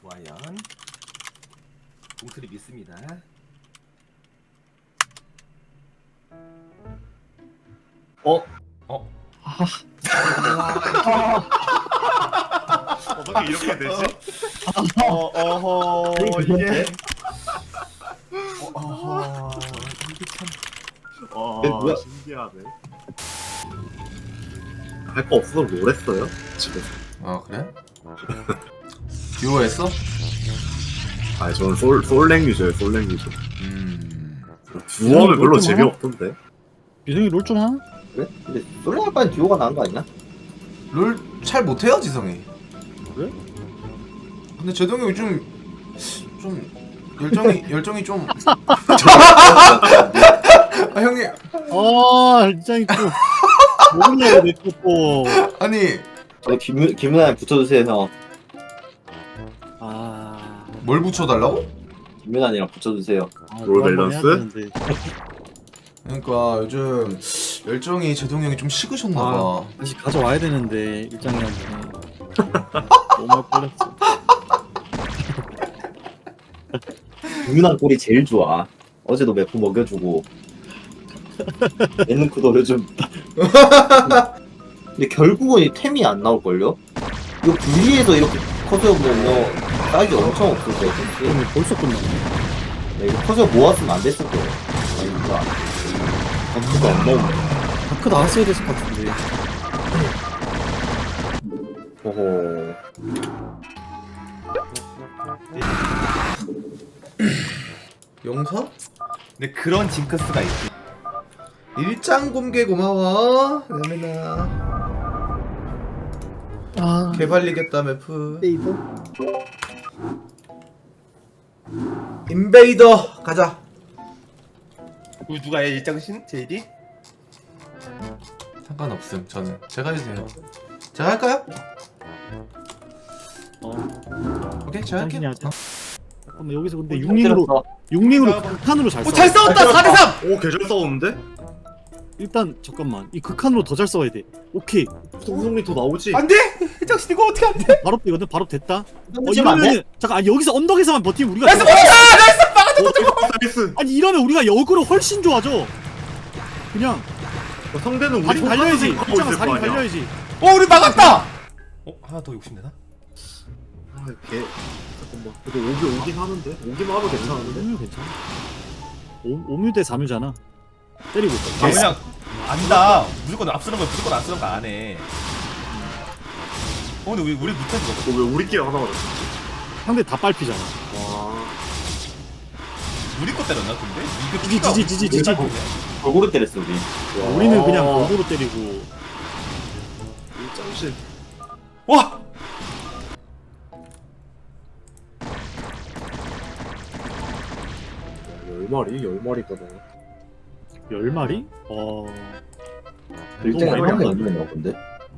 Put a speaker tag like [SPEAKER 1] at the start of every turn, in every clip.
[SPEAKER 1] 좋아요. 봉투를 믿습니다.
[SPEAKER 2] 어떻게 이렇게 되지? 어허 이게
[SPEAKER 1] 이게 참.
[SPEAKER 2] 뭐야? 신기하네. 할 거 없어서 뭘 했어요? 집에서.
[SPEAKER 1] 아 그래? 듀오 했어?
[SPEAKER 2] 아 저는 솔랭 유저예요. 솔랭 유저. 듀오는 별로
[SPEAKER 3] 롤 좀
[SPEAKER 2] 재미없던데.
[SPEAKER 3] 유성이 롤 좀 하나?
[SPEAKER 4] 그래? 근데 솔랭할 바엔 듀오가 나은 거 아니야?
[SPEAKER 1] 롤 잘 못해요 지성이.
[SPEAKER 3] 그래?
[SPEAKER 1] 근데 제동이 요즘 좀 열정이 좀. 아 형님
[SPEAKER 3] 진짜 또 모르냐고 내또
[SPEAKER 1] 아니
[SPEAKER 4] 저희 김은아에 붙여주세요 형.
[SPEAKER 1] 뭘 붙여달라고?
[SPEAKER 4] 김은아이랑 붙여주세요.
[SPEAKER 2] 롤 밸런스?
[SPEAKER 1] 그러니까 요즘 열정이 제동이 형이 좀 식으셨나봐.
[SPEAKER 3] 다시 가져와야 되는데 일장이한테 너무 걸렸어.
[SPEAKER 4] 김은아 꼴이 제일 좋아. 어제도 매포 먹여주고 예능크도 요즘 근데 결국은 이 템이 안 나올걸요? 이거 분리해서 이렇게 커서 보면 사이즈 엄청 없을 거야.
[SPEAKER 3] 그러면 벌써 끝났네.
[SPEAKER 4] 이거 커서 모았으면 안 됐을 거예요. 아이가 그거 안 나오네.
[SPEAKER 3] 다크 나왔어야 됐을 것 같은데.
[SPEAKER 4] 어허.
[SPEAKER 1] 용서?
[SPEAKER 5] 근데 그런 징크스가 있지.
[SPEAKER 1] 일장 공개 고마워. 여민아. 개발리겠다 매프. 인베이더 가자.
[SPEAKER 5] 우리 누가 해 일장신? 제이디?
[SPEAKER 1] 상관없음 저는. 제가 해주세요. 제가 할까요? 오케이 제가 할게요.
[SPEAKER 3] 당신이 하자. 잠깐만 여기서 근데
[SPEAKER 4] 때렸어.
[SPEAKER 3] 6링으로 극한으로 잘 싸워.
[SPEAKER 5] 오잘 싸웠다 4대3!
[SPEAKER 2] 오 개잘 싸웠는데?
[SPEAKER 3] 일단 잠깐만 이 극한으로 더 잘 싸워야 돼. 오케이
[SPEAKER 2] 우성이 더 나오지?
[SPEAKER 5] 안돼! 일장신 이거 어떻게 안돼?
[SPEAKER 3] 바로 되거든. 바로 됐다.
[SPEAKER 4] 이러면 안 돼?
[SPEAKER 3] 이러면은 잠깐 여기서 언덕에서만 버티면 우리가
[SPEAKER 5] 나이스
[SPEAKER 3] 좋아.
[SPEAKER 2] 나이스.
[SPEAKER 3] 아니 이러면 우리가 역으로 훨씬 좋아져. 그냥
[SPEAKER 2] 상대는 우리
[SPEAKER 3] 다리 달려야지.
[SPEAKER 2] 하고
[SPEAKER 3] 일장은
[SPEAKER 2] 있을
[SPEAKER 3] 다리
[SPEAKER 2] 거 아니야.
[SPEAKER 3] 달려야지.
[SPEAKER 5] 우리 막았다! 하나 더 욕심내나?
[SPEAKER 2] 아, 개. 잠깐만. 그래도 오긴 하는데? 오기만 하면 괜찮은데?
[SPEAKER 3] 오뮤 괜찮아. 5뮤 대 4뮤잖아. 때리고 있어.
[SPEAKER 5] 그냥 안다. 무조건 앞서는 거야. 무조건 앞서는 거 안 해. 근데 우리 못해 그거.
[SPEAKER 2] 왜 우리끼리 하나 맞았어?
[SPEAKER 3] 상대 다 빨피잖아.
[SPEAKER 2] 와.
[SPEAKER 5] 우리 거 때렸나 근데? 이거
[SPEAKER 3] 지지.
[SPEAKER 4] 골고루 때렸어 우리.
[SPEAKER 3] 우리는 그냥 골고루 때리고.
[SPEAKER 2] 일장신.
[SPEAKER 5] 와!
[SPEAKER 2] 열 마리거든.
[SPEAKER 3] 10마리?
[SPEAKER 4] 일정이
[SPEAKER 3] 너무
[SPEAKER 4] 한
[SPEAKER 3] 많이
[SPEAKER 4] 명 얼마나 근데?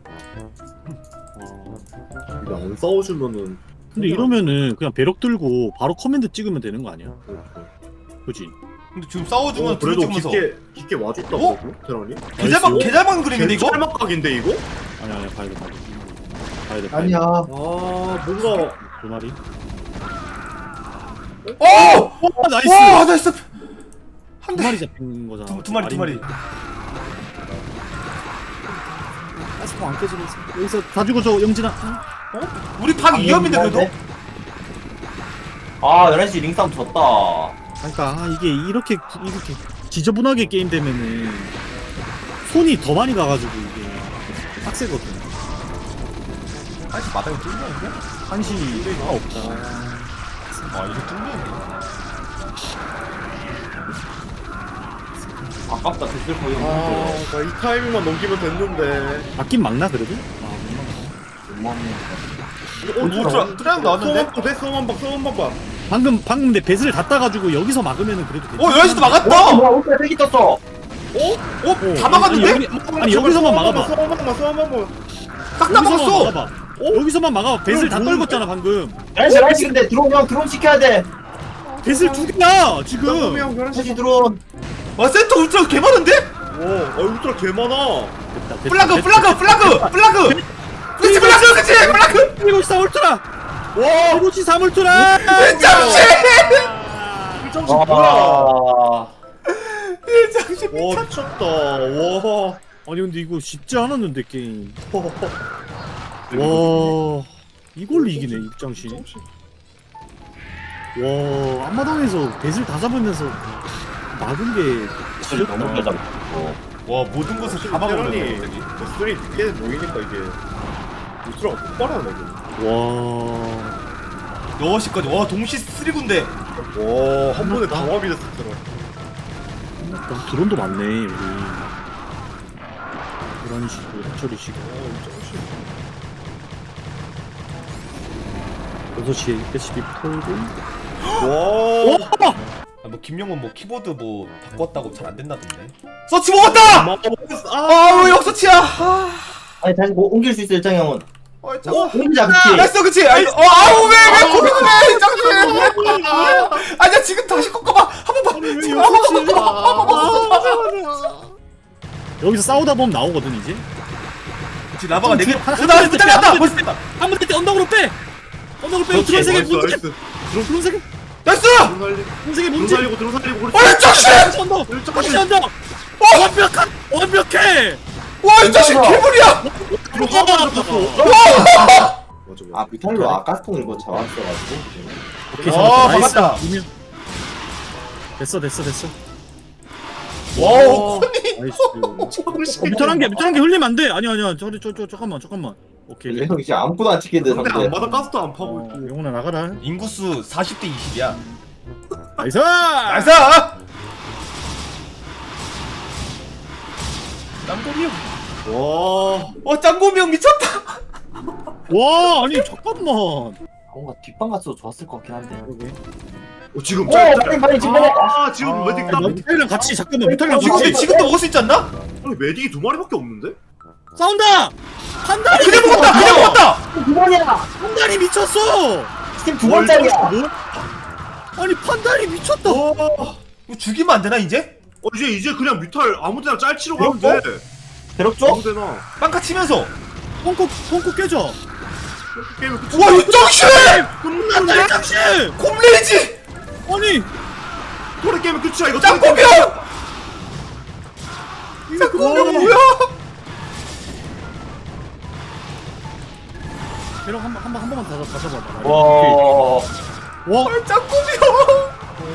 [SPEAKER 2] 이거 안 싸워주면은.
[SPEAKER 3] 근데 이러면은 그냥 배럭 들고 바로 커맨드 찍으면 되는 거 아니야? 그지?
[SPEAKER 5] 근데 지금 싸워주면 둘이
[SPEAKER 2] 그래도
[SPEAKER 5] 찍으면서
[SPEAKER 2] 깊게 와줬다
[SPEAKER 5] 어?
[SPEAKER 2] 그러고 테란이?
[SPEAKER 5] 개잘만 그림인데 이거?
[SPEAKER 2] 짤막각인데 이거?
[SPEAKER 3] 아니야 봐야 돼.
[SPEAKER 4] 아니야.
[SPEAKER 2] 아 뭔가
[SPEAKER 3] 2마리?
[SPEAKER 5] 오!
[SPEAKER 3] 나이스!
[SPEAKER 5] 와 나이스!
[SPEAKER 3] 한 마리 잡힌 거잖아.
[SPEAKER 5] 두 마리.
[SPEAKER 3] 가스포 안 깨지고 있어. 여기서 다 죽어줘 영진아.
[SPEAKER 5] 우리 방 위험인데 그래도?
[SPEAKER 4] 아 11시 링싸움 졌다.
[SPEAKER 3] 그러니까 이게 이렇게 지저분하게 게임 되면은 손이 더 많이 가가지고 이게 빡세거든.
[SPEAKER 5] 아직 마당이 뚫렸는데?
[SPEAKER 3] 한시가 없다.
[SPEAKER 5] 아 이거 뚫렸네.
[SPEAKER 4] 아깝다 됐을 거예요.
[SPEAKER 2] 나 이 타이밍만 넘기면 됐는데.
[SPEAKER 3] 맞긴 막나 그래도?
[SPEAKER 5] 트라이브 나왔는데?
[SPEAKER 2] 소원방 봐.
[SPEAKER 3] 방금 근데 배슬을 다 따가지고 여기서 막으면은 그래도 괜찮아.
[SPEAKER 5] 11시도 막았다!
[SPEAKER 4] 뭐야 올때 세기 떴어.
[SPEAKER 5] 다 막았는데?
[SPEAKER 3] 아니 여기서만 막아봐.
[SPEAKER 2] 소원방만.
[SPEAKER 5] 딱 다 막았어!
[SPEAKER 3] 막아봐. 여기서 막아봐. 배슬 다 떨궜잖아 방금.
[SPEAKER 4] 11시 근데 드론 시켜야 돼.
[SPEAKER 3] 배슬 두 개야 지금.
[SPEAKER 4] 11시 드론.
[SPEAKER 5] 와 센터 울트라 개 많은데?
[SPEAKER 2] 울트라 개 많아.
[SPEAKER 5] 플라그! 그치 플라그!
[SPEAKER 3] 때리고 있어 울트라. 와 이거지 사물투라.
[SPEAKER 5] 일장씨!
[SPEAKER 2] 일정신 뭐야?
[SPEAKER 4] 와.
[SPEAKER 5] 일장씨
[SPEAKER 2] 와 미쳤다. 와.
[SPEAKER 3] 아니 근데 이거 쉽지 않았는데 게임. 와 이걸 이기네 입장시. 와 앞마당에서 배슬 다 잡으면서 막은 게
[SPEAKER 4] 소리 너무 잘
[SPEAKER 3] 지렸다.
[SPEAKER 4] 잡았고.
[SPEAKER 5] 와 모든 것을 다 막아버렸네 갑자기.
[SPEAKER 2] 스토리 늦게 모이니까 이게 우스라가 폭발하네.
[SPEAKER 3] 와
[SPEAKER 5] 6시까지 와 동시 3군데
[SPEAKER 2] 와한 번에 다 마비 됐었더라.
[SPEAKER 3] 끝났다. 드론도 많네 우리. 고라니시고 해처리시고. 6시에 SB 털고.
[SPEAKER 2] 와.
[SPEAKER 5] 뭐 김영은 뭐 키보드 뭐 바꿨다고 잘 안 된다던데 서치 먹었다! 아왜 역서치야
[SPEAKER 4] 아니 다시 뭐 옮길 수 있어 일장 형은.
[SPEAKER 5] 짱
[SPEAKER 4] 옮기자 그치.
[SPEAKER 5] 됐어 그치 아우 왜 고민을 해 짱씨 아니야 지금 다시 꺾어봐 한 번만 지금 한 번만
[SPEAKER 3] 여기서 싸우다 보면 나오거든 이제.
[SPEAKER 5] 그치 라바가
[SPEAKER 3] 좀
[SPEAKER 5] 4개
[SPEAKER 3] 한
[SPEAKER 5] 나
[SPEAKER 3] 번
[SPEAKER 5] 붙잡았다
[SPEAKER 3] 때,
[SPEAKER 5] 벌써 됐다
[SPEAKER 3] 한번 때 언덕으로 빼. 언덕으로 빼고 드론 세개 문제. 드론 세개.
[SPEAKER 5] 나이스!
[SPEAKER 3] 드론 세개 문제.
[SPEAKER 2] 들어 살리고
[SPEAKER 5] 이 자식!
[SPEAKER 3] 언덕. 다시 언덕. 완벽해.
[SPEAKER 5] 와 이 자식 개불이야!
[SPEAKER 4] 아 비탈로 아까스통 이거 잡았어가지고.
[SPEAKER 3] 오케이
[SPEAKER 5] 와,
[SPEAKER 3] 나이스.
[SPEAKER 5] 막았다.
[SPEAKER 3] 이면. 됐어.
[SPEAKER 5] 와우 코니
[SPEAKER 3] 나이스. 밑에 한 개 흘리면 안 돼. 아니야. 저 잠깐만. 오케이.
[SPEAKER 4] 레형 이제 아무것도 안 찍히는데
[SPEAKER 2] 상대
[SPEAKER 4] 상대.
[SPEAKER 2] 안 받아 가스도 안 파고 있고.
[SPEAKER 3] 영훈아 나가라.
[SPEAKER 5] 인구수 40대 20이야
[SPEAKER 3] 나이스.
[SPEAKER 5] 나이스! 짱고미 형
[SPEAKER 2] 와.
[SPEAKER 5] 짱고미 형 미쳤다
[SPEAKER 3] 와 아니 잠깐만.
[SPEAKER 4] 뭔가 뒷방 갔어도 좋았을 것 같긴 한데.
[SPEAKER 2] 지금
[SPEAKER 4] 오
[SPEAKER 2] 짤.
[SPEAKER 4] 빨리 지금.
[SPEAKER 2] 지금 메딕 딱.
[SPEAKER 3] 미탈이랑 같이 잠깐만. 미탈이랑
[SPEAKER 5] 지금
[SPEAKER 3] 같이
[SPEAKER 5] 지금도 먹을 수 있지 않나?
[SPEAKER 2] 아니 메딕이 2마리밖에 없는데?
[SPEAKER 3] 싸운다. 판단이
[SPEAKER 5] 그냥 먹었다!
[SPEAKER 4] 두 번이야.
[SPEAKER 3] 판단이 미쳤어.
[SPEAKER 4] 지금 두 번짜리야.
[SPEAKER 3] 뭐? 아니 판단이 미쳤다.
[SPEAKER 5] 이거 죽이면 안 되나 이제?
[SPEAKER 2] 이제 그냥 뮤탈 아무데나 짤치러 가면 돼.
[SPEAKER 4] 배럭 줘?
[SPEAKER 2] 아무데나.
[SPEAKER 5] 빵카 치면서
[SPEAKER 3] 펑크 깨져.
[SPEAKER 2] 게임을 끝이.
[SPEAKER 5] 와 윤정씨!
[SPEAKER 3] 끝났다 당신.
[SPEAKER 5] 콤레이지!
[SPEAKER 3] 아니
[SPEAKER 2] 토레 게임은 끝이야 이거.
[SPEAKER 5] 짱고미 형! 짱고미 형 뭐야?
[SPEAKER 3] 대략 한 번만 다 잡아봐.
[SPEAKER 4] 와.
[SPEAKER 3] 와
[SPEAKER 5] 짱고미 형!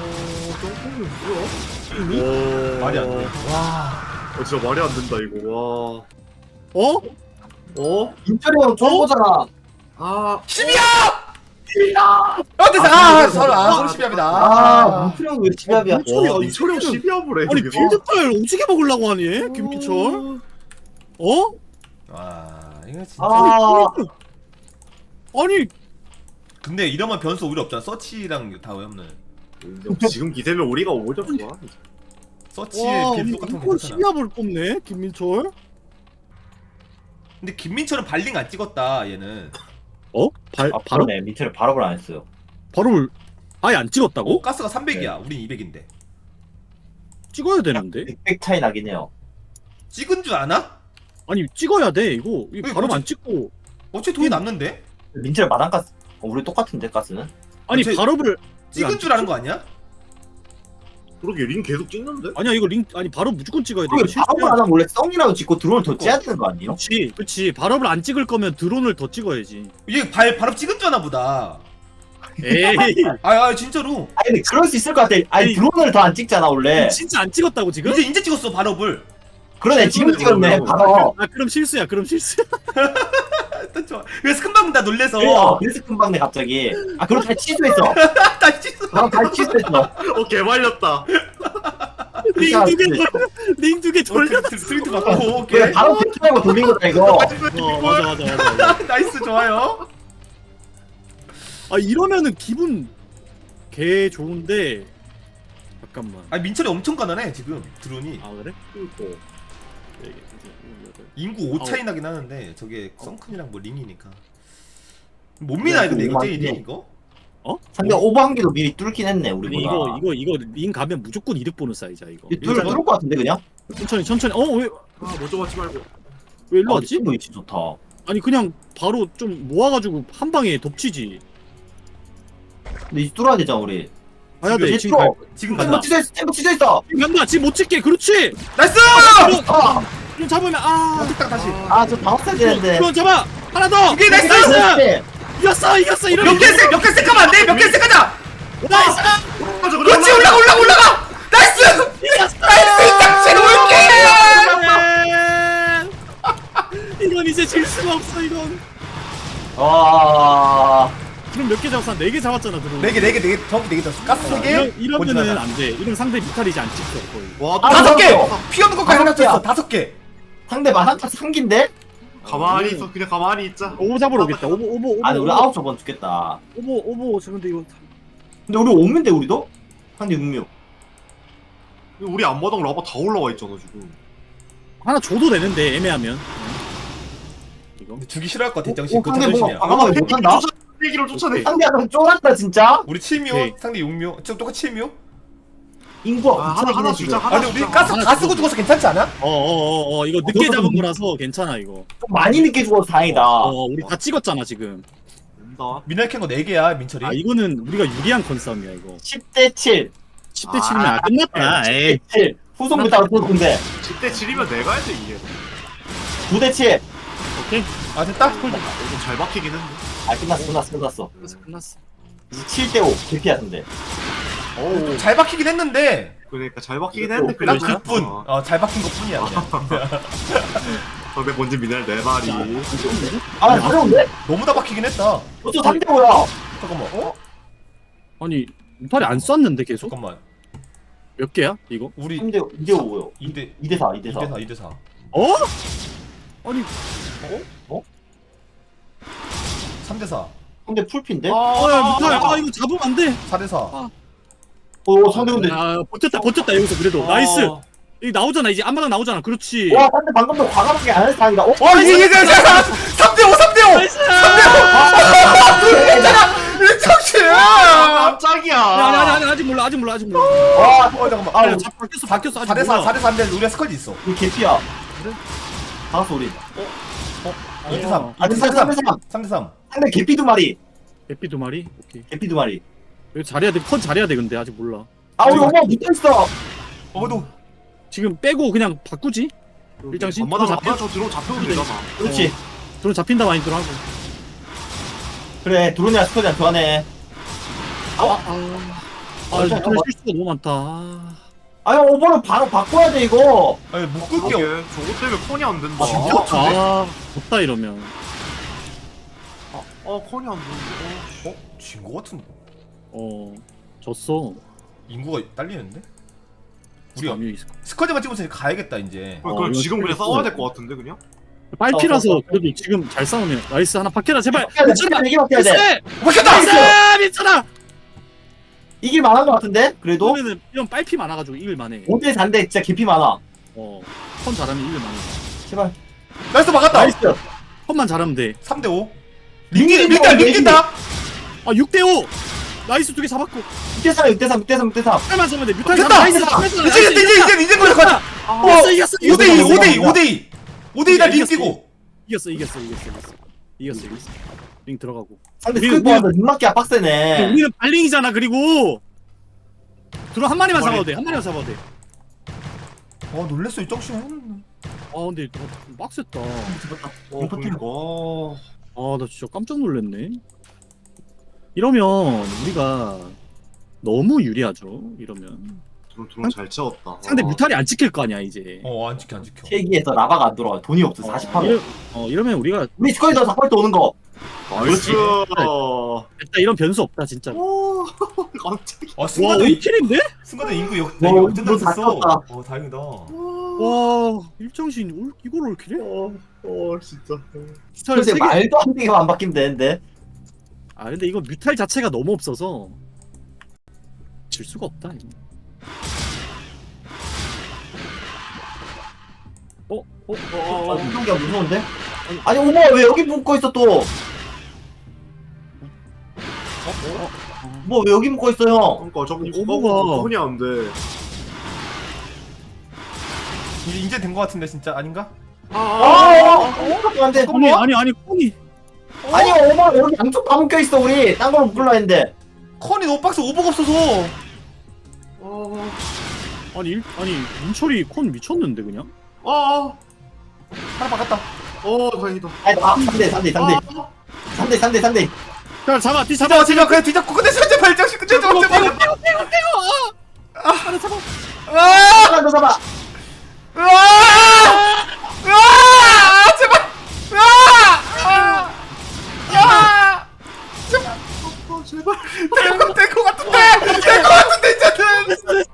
[SPEAKER 2] 뭐야?
[SPEAKER 5] 말이 안 돼.
[SPEAKER 2] 진짜 말이 안 된다 이거.
[SPEAKER 3] 어?
[SPEAKER 2] 와.
[SPEAKER 4] 인철이 형 좋은 거잖아.
[SPEAKER 2] 아.
[SPEAKER 5] 10이야! 어때서 서로 10이합니다
[SPEAKER 4] 아 문철이 형왜 집합이야?
[SPEAKER 2] 와 이철이 형 12합을 해.
[SPEAKER 3] 아니
[SPEAKER 2] 여기서.
[SPEAKER 3] 빌드파일 오지게 먹으려고 하니 김민철? 어?
[SPEAKER 5] 와 이거 진짜
[SPEAKER 4] 아.
[SPEAKER 3] 아니
[SPEAKER 5] 근데 이러면 변수 오히려 없잖아 서치랑 다 없는
[SPEAKER 2] 지금 기세면 우리가 오히려 좋아.
[SPEAKER 5] 서치의
[SPEAKER 3] 와
[SPEAKER 5] 빌드 똑같은 거
[SPEAKER 3] 이걸
[SPEAKER 5] 괜찮아
[SPEAKER 3] 12합을 뽑네 김민철?
[SPEAKER 5] 근데 김민철은 발링 안 찍었다 얘는
[SPEAKER 3] 어?
[SPEAKER 4] 아 바로네 밑에를 바로 안 했어요.
[SPEAKER 3] 바로 아예 안 찍었다고?
[SPEAKER 5] 가스가 300이야 우린 200인데
[SPEAKER 3] 찍어야 되는데?
[SPEAKER 4] 100 차이 나긴 해요.
[SPEAKER 5] 찍은 줄 아나?
[SPEAKER 3] 아니 찍어야 돼 이거 바로
[SPEAKER 5] 뭐지?
[SPEAKER 3] 안 찍고
[SPEAKER 5] 어차피 돈이 남는데?
[SPEAKER 4] 민철 마당 가스. 우리 똑같은데 가스는?
[SPEAKER 3] 아니
[SPEAKER 5] 저-
[SPEAKER 3] 발업을
[SPEAKER 5] 찍은 줄 아는 거 아니야?
[SPEAKER 2] 그러게 링 계속 찍는데?
[SPEAKER 3] 아니야 이거 링 아니 바로 무조건 찍어야 돼 이거
[SPEAKER 4] 그게
[SPEAKER 3] 실수야.
[SPEAKER 4] 바로 안 하면 원래 썽이라도 짓고 드론을 더 째야 되는 거 아니에요?
[SPEAKER 3] 그치 발업을 안 찍을 거면 드론을 더 찍어야지
[SPEAKER 5] 얘 바로 찍은 줄 아나 보다
[SPEAKER 3] 에이
[SPEAKER 5] 아 진짜로
[SPEAKER 4] 아니 근데 그럴 수 있을 것 같아. 아니 드론을 더 안 찍잖아 원래.
[SPEAKER 3] 진짜 안 찍었다고 지금?
[SPEAKER 5] 이제 찍었어 발업을
[SPEAKER 4] 그러네 지금 찍었네
[SPEAKER 2] 그러네.
[SPEAKER 4] 바로.
[SPEAKER 3] 아 그럼 실수야 그럼 실수야
[SPEAKER 5] 또 좋아 그래서 큰방 다 놀래서
[SPEAKER 4] 그래서 금방네 갑자기. 아 그럼 다시 취소했어.
[SPEAKER 5] 다시 찍었어
[SPEAKER 4] 바로 다시 취소했어.
[SPEAKER 2] 개말렸다.
[SPEAKER 3] 링 두 개 돌려
[SPEAKER 5] 스트리트 바꾸고
[SPEAKER 4] 그래
[SPEAKER 5] 오케이
[SPEAKER 4] 바로 대충하고 돌린 거다 이거.
[SPEAKER 3] 맞아
[SPEAKER 5] 나이스 좋아요
[SPEAKER 3] 아 이러면은 기분 개 좋은데 잠깐만
[SPEAKER 5] 아 민철이 엄청 가난해 지금 드론이
[SPEAKER 3] 아 그래?
[SPEAKER 5] 인구 5 차이 나긴 하는데 저게 썬큰이랑 뭐 링이니까 못 미나 근데 이거 제일이 이거?
[SPEAKER 3] 어?
[SPEAKER 4] 상대 오버한 개도 미리 뚫긴 했네
[SPEAKER 3] 근데
[SPEAKER 4] 우리보다.
[SPEAKER 3] 이거 링 가면 무조건 이득 보는 사이자 이거
[SPEAKER 4] 뚫을 것 같은데 그냥?
[SPEAKER 3] 천천히 왜
[SPEAKER 2] 아 먼저 맞지 말고.
[SPEAKER 3] 일로 왔지?
[SPEAKER 4] 아, 위치 좋다.
[SPEAKER 3] 아니 그냥 바로 좀 모아가지고 한 방에 덮치지
[SPEAKER 4] 근데 이제 뚫어야 되잖아 우리.
[SPEAKER 3] 가야 돼.
[SPEAKER 4] 이제
[SPEAKER 3] 지금 갈
[SPEAKER 4] 뚫어.
[SPEAKER 5] 지금
[SPEAKER 4] 템포
[SPEAKER 5] 간다.
[SPEAKER 4] 찢어있어. 템포 찢어있어.
[SPEAKER 3] 지금 간다. 지금 못 찍게. 그렇지.
[SPEAKER 5] 나이스!
[SPEAKER 4] 아,
[SPEAKER 3] 좀 잡으면
[SPEAKER 5] 딱 다시.
[SPEAKER 4] 저 방어해야 되는데.
[SPEAKER 3] 그럼 잡아. 하나 더.
[SPEAKER 5] 이게 나이스!
[SPEAKER 4] 나이스.
[SPEAKER 3] 이겼어. 이러면
[SPEAKER 5] 몇 개 셀까면 안 돼? 몇 개 셀까자!
[SPEAKER 3] 나이스.
[SPEAKER 5] 그렇지, 올라가! 나이스! 나이스, 이 짝지 올게!
[SPEAKER 3] 이건 이제 질 수가 없어 이건.
[SPEAKER 4] 와.
[SPEAKER 3] 지금 몇 개 잡았어? 4개 잡았잖아 들어.
[SPEAKER 5] 4개, 정확히 4개 졌어. 가스 3개?
[SPEAKER 3] 이러면은 안 돼. 이러면 상대 뮤탈이지 안 찍혀 거의.
[SPEAKER 2] 와,
[SPEAKER 4] 아,
[SPEAKER 5] 5개! 피 없는 것까지 하나 쳤어. 5개.
[SPEAKER 4] 상대 만한타 3기인데?
[SPEAKER 2] 가만히 있어. 그냥 가만히 있자.
[SPEAKER 3] 오버 잡으러 오겠다. 오버.
[SPEAKER 4] 아니 우리 9저번 죽겠다.
[SPEAKER 3] 오버. 저 근데 이거
[SPEAKER 4] 근데 우리 오면데 우리도? 상대 6묘.
[SPEAKER 2] 우리 앞마당 라바 다 올라와 있잖아 지금.
[SPEAKER 3] 하나 줘도 되는데 애매하면. 이거.
[SPEAKER 5] 근데 주기 싫어할 것 같아, 정신.
[SPEAKER 4] 오,
[SPEAKER 5] 그거
[SPEAKER 4] 상대 뭔가
[SPEAKER 5] 정신이야.
[SPEAKER 4] 과감하게 못한다?
[SPEAKER 2] 세기를 쫓아내.
[SPEAKER 4] 상대 약간 쫄았다 진짜?
[SPEAKER 5] 우리 7묘,
[SPEAKER 3] 오케이.
[SPEAKER 5] 상대 6묘. 지금 똑같이 7묘?
[SPEAKER 4] 인구가
[SPEAKER 2] 하나 주자. 하나
[SPEAKER 5] 아니, 우리
[SPEAKER 2] 주자.
[SPEAKER 5] 가스
[SPEAKER 3] 하나
[SPEAKER 5] 다 쓰고
[SPEAKER 3] 주고.
[SPEAKER 5] 죽어서 괜찮지 않아?
[SPEAKER 3] 이거 늦게 잡은 거라서 괜찮아 이거.
[SPEAKER 4] 좀 많이 늦게 죽어서 다행이다.
[SPEAKER 3] 우리 다 찍었잖아 지금.
[SPEAKER 2] 온다.
[SPEAKER 5] 미날 캔거 4개야, 민철이.
[SPEAKER 3] 아 이거는 우리가 유리한 컨싸움이야 이거.
[SPEAKER 4] 10대 7.
[SPEAKER 3] 10대 7이면 끝났다. 에이.
[SPEAKER 4] 7. 후손부터 근데
[SPEAKER 2] 10대 7이면 내가 해야 돼 이게.
[SPEAKER 4] 9대 7.
[SPEAKER 3] 오케이.
[SPEAKER 5] 아, 됐다?
[SPEAKER 2] 이거 잘 박히긴 했네.
[SPEAKER 4] 아 끝났어.
[SPEAKER 3] 끝났어.
[SPEAKER 4] 이제 7대 5. 개피야 근데.
[SPEAKER 2] 오.
[SPEAKER 5] 잘 박히긴 했는데.
[SPEAKER 2] 그러니까 잘 박히긴 했는데
[SPEAKER 5] 난
[SPEAKER 3] 그러니까?
[SPEAKER 5] 그뿐. 잘 박힌 것 뿐이야, 그냥.
[SPEAKER 2] 상대 본진 미네랄 4마리.
[SPEAKER 4] 아 어려운데?
[SPEAKER 5] 너무 다 박히긴 했다.
[SPEAKER 4] 어쩌 3대 5야.
[SPEAKER 5] 잠깐만.
[SPEAKER 3] 아니 무탈이 안 쐈는데 계속?
[SPEAKER 5] 잠깐만.
[SPEAKER 3] 몇 개야 이거?
[SPEAKER 5] 우리
[SPEAKER 4] 3대 2대 5요.
[SPEAKER 5] 2대
[SPEAKER 4] 2대 4. 2대 4.
[SPEAKER 5] 2대 4.
[SPEAKER 3] 어? 아니
[SPEAKER 5] 3대 4.
[SPEAKER 4] 상대 풀핀데?
[SPEAKER 3] 야 무탈 이거 잡으면 안 돼.
[SPEAKER 5] 4대 4.
[SPEAKER 4] 상대 근데.
[SPEAKER 3] 버텼다 여기서 그래도 나이스. 여기 나오잖아 이제 앞마당 나오잖아. 그렇지.
[SPEAKER 4] 와 상대 방금도 과감하게 안 해서 다행이다.
[SPEAKER 5] 이게 3대 5, 3대 5.
[SPEAKER 3] 나이스.
[SPEAKER 5] 일정신.
[SPEAKER 2] 깜짝이야.
[SPEAKER 3] 아니 아직 몰라.
[SPEAKER 4] 와
[SPEAKER 5] 잠깐만.
[SPEAKER 3] 아 바뀌었어 아직
[SPEAKER 5] 4대 4,
[SPEAKER 3] 몰라.
[SPEAKER 5] 4대 3인데 우리가 스컬지 있어.
[SPEAKER 4] 이거 개피야. 박았어 우리.
[SPEAKER 5] 2대 3.
[SPEAKER 4] 아 3대 3.
[SPEAKER 5] 3대 3.
[SPEAKER 4] 상대 개피 2마리.
[SPEAKER 3] 에피 2마리. 오케이.
[SPEAKER 4] 개피 2마리.
[SPEAKER 3] 이거 잘해야 돼. 컨 잘해야 돼 근데 아직 몰라.
[SPEAKER 4] 아 우리 오버 붙어있어.
[SPEAKER 5] 어도
[SPEAKER 3] 지금 빼고 그냥 바꾸지? 일장신?
[SPEAKER 2] 엄마다
[SPEAKER 3] 들어
[SPEAKER 2] 잡혀. 저 들어 잡혀도 되잖아.
[SPEAKER 4] 그렇지.
[SPEAKER 3] 드론 잡힌다 마인드로 하고.
[SPEAKER 4] 그래 드론이랑 스쿼드랑 교환해.
[SPEAKER 3] 드론 실수가 너무 많다.
[SPEAKER 4] 아니 오버를 바로 바꿔야 돼 이거.
[SPEAKER 5] 아니 못
[SPEAKER 2] 그게
[SPEAKER 5] 끌게.
[SPEAKER 2] 저거 때문에 콘이 안 된다.
[SPEAKER 3] 아, 좋다 이러면.
[SPEAKER 2] 콘이 안 된다.
[SPEAKER 5] 진거 같은데.
[SPEAKER 3] 졌어.
[SPEAKER 5] 인구가 딸리는데? 우리가
[SPEAKER 3] 감이 있을
[SPEAKER 5] 스쿼드만 찍으면서 가야겠다 이제.
[SPEAKER 2] 그럼
[SPEAKER 3] 이거
[SPEAKER 2] 지금 그냥
[SPEAKER 3] 스크린
[SPEAKER 2] 싸워야 될 것 같은데 그냥?
[SPEAKER 3] 빨피라서 그래도 지금 잘 싸우면 나이스 하나 바뀌라 제발.
[SPEAKER 4] 바뀌어야 돼. 이게 바뀌어야 돼.
[SPEAKER 3] 나이스!
[SPEAKER 5] 막혔다.
[SPEAKER 3] 나이스! 미쳤다!
[SPEAKER 4] 이길 만한 것 같은데? 그래도
[SPEAKER 3] 그러면은 이런 빨피 많아가지고 이길 만해.
[SPEAKER 4] 5대 4인데 진짜 개피 많아.
[SPEAKER 3] 컨 잘하면 이길 만해.
[SPEAKER 4] 제발.
[SPEAKER 5] 나이스 막았다.
[SPEAKER 4] 나이스.
[SPEAKER 3] 컨만 잘하면 돼.
[SPEAKER 5] 3대 5.
[SPEAKER 4] 링긴다,
[SPEAKER 5] 링긴다.
[SPEAKER 3] 아 6대5! 나이스 2개 잡았고.
[SPEAKER 4] 6대 3, 6대 3, 6대 3, 6대 3.
[SPEAKER 3] 빨만 잡으면 돼. 뮤탈
[SPEAKER 5] 됐다!
[SPEAKER 3] 나이스!
[SPEAKER 5] 이제 걸려 가자.
[SPEAKER 3] 이겼어
[SPEAKER 5] 5대 2다 링
[SPEAKER 3] 이겼어.
[SPEAKER 5] 뛰고.
[SPEAKER 3] 이겼어. 이겼어. 링 들어가고.
[SPEAKER 4] 상대
[SPEAKER 3] 우리-
[SPEAKER 4] 스크린 보아서 눈맞기가 빡세네.
[SPEAKER 3] 우리는 발링이잖아. 그리고 드론 한 마리만 잡아도 돼. 한 마리만 잡아도 돼.
[SPEAKER 5] 놀랬어 이 정신.
[SPEAKER 3] 근데 빡셌다.
[SPEAKER 2] 그니까.
[SPEAKER 3] 나 진짜 깜짝 놀랐네. 이러면 우리가 너무 유리하죠. 이러면
[SPEAKER 2] 드론 잘 채웠다.
[SPEAKER 3] 상대 뮤탈이 안 찍힐 거 아니야 이제.
[SPEAKER 5] 안 지켜.
[SPEAKER 4] 세기에서 라바가 안 들어와. 돈이 없어. 48원.
[SPEAKER 3] 이러면 우리가
[SPEAKER 4] 우리 스쿼드 더 자꾸 오는 거.
[SPEAKER 2] 나이스.
[SPEAKER 3] 일단 이런 변수 없다 진짜.
[SPEAKER 2] 오, 깜짝이야.
[SPEAKER 3] 와
[SPEAKER 5] 순간에
[SPEAKER 3] 5킬인데?
[SPEAKER 5] 순간에 인구
[SPEAKER 4] 와,
[SPEAKER 5] 역전당
[SPEAKER 4] 다
[SPEAKER 5] 됐어.
[SPEAKER 4] 떴다.
[SPEAKER 5] 다행이다.
[SPEAKER 3] 와 일정신 이걸 올킬해?
[SPEAKER 2] 진짜.
[SPEAKER 4] 그래서 말도 안 되게만 안 바뀌면 되는데.
[SPEAKER 3] 근데 이거 뮤탈 자체가 너무 없어서 질 수가 없다. 이거.
[SPEAKER 4] 이동기가 무서운데? 아니 오버 왜 여기 묶어 있어 또? 뭐 왜 여기 묶어 있어 형?
[SPEAKER 2] 그러니까 저거
[SPEAKER 3] 오버가-
[SPEAKER 2] 콘이 안 돼.
[SPEAKER 5] 이제 된 거 같은데 진짜 아닌가?
[SPEAKER 4] 안 돼.
[SPEAKER 3] 아니 콩이
[SPEAKER 4] 아니 오버 여기 양쪽 다 묶여 있어 우리. 딴 걸로 묶으려 했는데.
[SPEAKER 5] 컨이 너무 빡세 오버가 없어서.
[SPEAKER 3] 아니 민철이 콘 미쳤는데 그냥.
[SPEAKER 5] 하나 막았다.
[SPEAKER 2] 다행이다.
[SPEAKER 4] 아 3대.
[SPEAKER 3] 자 잡아 뒤 잡아.
[SPEAKER 5] 진짜 그냥 뒤잡고 근데 현재 발정식 근데 저거 제발.
[SPEAKER 3] 하나 잡아.
[SPEAKER 5] 아!
[SPEAKER 4] 너 잡아.
[SPEAKER 5] 제발. 제발. 될것 같은데 이제는.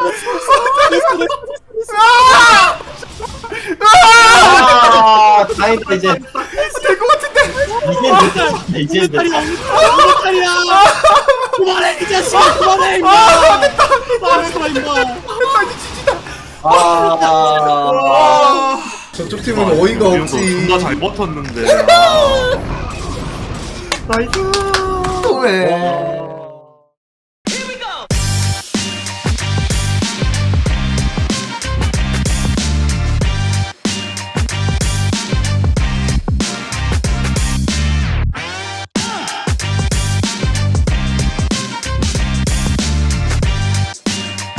[SPEAKER 4] 다행이다 이제.
[SPEAKER 5] 될것 같은데.
[SPEAKER 4] 이제 됐다.
[SPEAKER 3] 이거짜리야. 그만해 이 자식아 그만해 임마. 됐다 임마.
[SPEAKER 5] 저쪽 팀은 어이가 없지.
[SPEAKER 1] 존나 잘 버텼는데.
[SPEAKER 2] 나이스.
[SPEAKER 5] 왜?